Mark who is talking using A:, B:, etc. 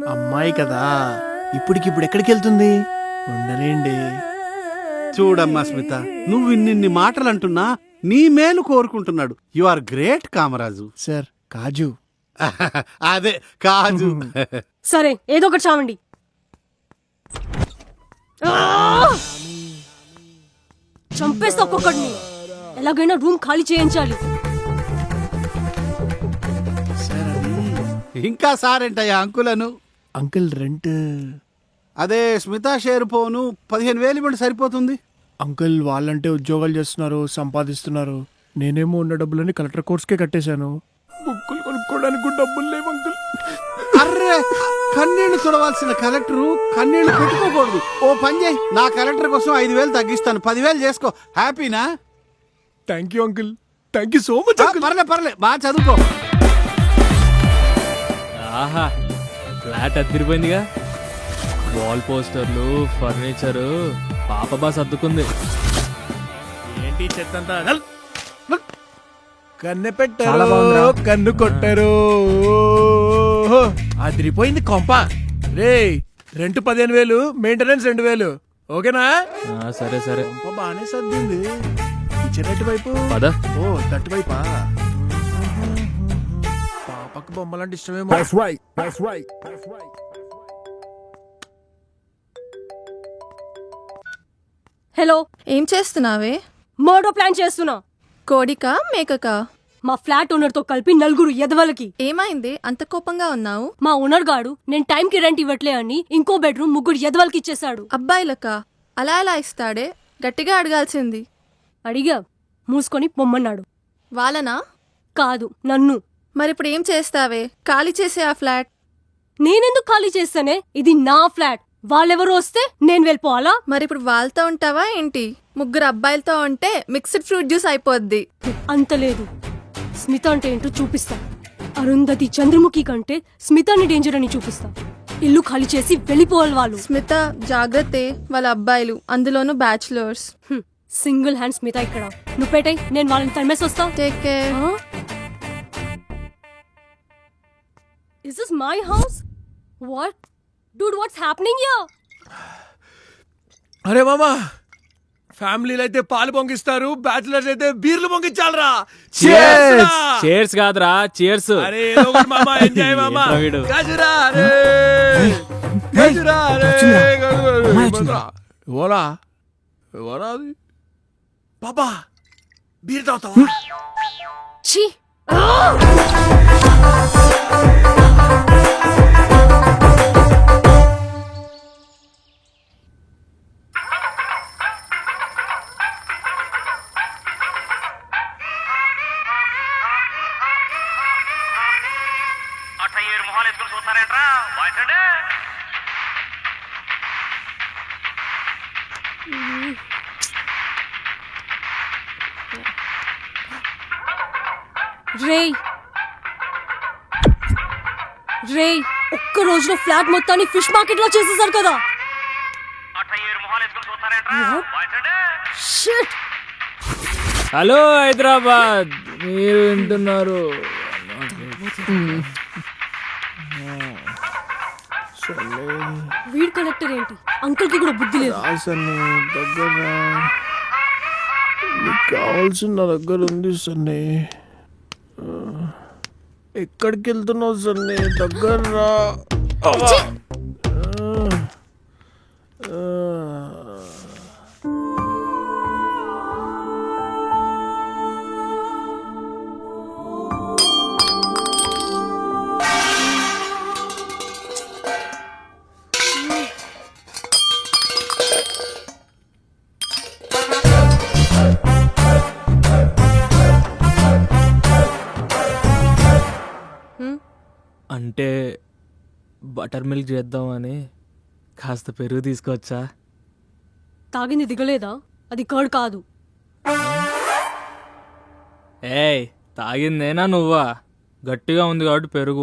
A: అమ్మాయి కదా, ఇప్పటికిప్పుడు ఎక్కడికి వెళ్తుంది? ఉండలేండి.
B: చూడమ్మా స్మిత, నువ్వు ఇన్నిన్ని మాటలు అంటున్నా నీ మేలు కోరుకుంటున్నాడు. You are great Kamaraju.
A: Sir, Kaju.
B: అదే కాజు.
C: సరే, ఏదో ఒకటి చావండి. చంపేస్తా ఒక్కొక్కడిని. ఎలాగైనా రూమ్ ఖాళీ చేయించాలి.
A: సార్, అది
B: ఇంకా సారేంటయ్యా అంకులను?
A: Uncle rent.
B: అదే స్మిత షేర్ పోను 15,000 ఇవ్వండి సరిపోతుంది.
A: అంకుల్ వాళ్ళంటే ఉద్యోగాలు చేస్తున్నారు, సంపాదిస్తున్నారు. నేనేమో ఉన్న డబ్బులని కలెక్టర్ కోర్స్కే కట్టేశాను. బుక్కులు కొనుక్కోవడానికి కూడా డబ్బులు లేవు అంకుల్.
B: అర్రే, కన్నీళ్లు చూడవలసిన కలెక్టరు కన్నీళ్లు పెట్టుకోకూడదు. ఓ పని చేయి, నా కలెక్టర్ కోసం 5,000 తగ్గిస్తాను. 10,000 చేసుకో. హ్యాపీనా?
A: Thank you uncle, thank you so much uncle.
B: పర్లే బాగా చదువుకో.
D: ఆహా, ఫ్లాట్ అద్దరిపోయిందిగా. వాల్ పోస్టర్లు, ఫర్నిచరు పాప బా సర్దుకుంది.
A: ఏంటి చెత్తంతా? కన్ను పెట్టరు, కన్ను కొట్టరు. అదిరిపోయింది కొంప. రే, రెంట్ 15,000, మెయింటెనెన్స్ 2,000. ఓకేనా?
D: సరే సరే,
A: కొంప బాగానే సర్దింది. కిచెన్ ఎటువైపు?
D: పద.
A: ఓ, తట్టువైపా? పాపకు బొమ్మలంటే ఇష్టమేమో.
C: హలో,
E: ఏం చేస్తున్నావే?
C: మర్డర్ ప్లాన్ చేస్తున్నా.
E: కోడికా మేకకా?
C: మా ఫ్లాట్ ఓనర్ తో కలిపి 4 ఎదవలకి.
E: ఏమైంది అంత కోపంగా ఉన్నావు?
C: మా ఓనర్ గాడు నేను టైంకి రెంట్ ఇవ్వట్లే అని ఇంకో బెడ్రూమ్ 3 ఎదవలకి ఇచ్చేశాడు.
E: అబ్బాయిలకా? అలా ఎలా ఇస్తాడే? గట్టిగా అడగాల్సింది.
C: అడిగా, మూసుకొని పొమ్మన్నాడు.
E: వాళ్ళనా?
C: కాదు, నన్ను.
E: మరిప్పుడు ఏం చేస్తావే? ఖాళీ చేసే ఆ ఫ్లాట్.
C: నేనెందుకు ఖాళీ చేస్తానే? ఇది నా ఫ్లాట్. వాళ్ళెవరు వస్తే నేను వెళ్ళిపోవాలా?
E: మరిప్పుడు వాళ్ళతో ఉంటావా ఏంటి? 3 అబ్బాయిలతో ఉంటే మిక్స్డ్ ఫ్రూట్ జ్యూస్ అయిపోద్ది.
C: అంత లేదు. స్మిత అంటే ఏంటో చూపిస్తా. అరుంధతి చంద్రముఖి కంటే స్మితాని డేంజర్ అని చూపిస్తా. ఇల్లు ఖాళీ చేసి వెళ్ళిపోవాలి వాళ్ళు.
E: స్మిత జాగ్రత్తే, వాళ్ళ అబ్బాయిలు, అందులోనూ బ్యాచులర్స్.
C: సింగిల్ హ్యాండ్ స్మిత ఇక్కడ. నువ్వు పెట్టాయి, నేను వాళ్ళని తరిమేసి వస్తా.
E: Take care.
C: Is this my house? What? Dude, what's happening here?
A: అరే మామా, ఫ్యామిలీలు అయితే పాలు పొంగిస్తారు, బ్యాచులర్స్ అయితే బీర్లు పొంగించాలరా.
D: చేర్స్ కాదురా, చేర్స్.
A: అరే ఏదో ఒకటి మామా, ఎంజాయ్ మామా.
D: ఏంట్రా వీడు?
A: గజరా రే, గజరా రే, గజరా. ఓలా ఓలా అది. బాబా, బీర్ తాగుతావా?
C: ఛీ! రేయ్, రేయ్, ఒక్క రోజులో ఫ్లాట్ మొత్తాన్ని ఫిష్ మార్కెట్ లో చేసేసారు కదా. Shit!
D: హలో హైదరాబాద్, మీరు వింటున్నారు?
C: వీడ్ కలెక్టర్ ఏంటి? అంకుల్ కి కూడా బుద్ధి లేదు.
A: దగ్గర నీకు కావాల్సిన దగ్గర ఉంది సన్నీ. ఎక్కడికి వెళ్తున్నావు సన్నీ? దగ్గర రా.
D: అంటే బటర్ మిల్క్ చేద్దామని కాస్త పెరుగు తీసుకొచ్చా.
C: తాగింది దిగలేదా? అది కర్డ్ కాదు.
D: ఏయ్, తాగిందేనా నువ్వా? గట్టిగా ఉంది కాబట్టి పెరుగు.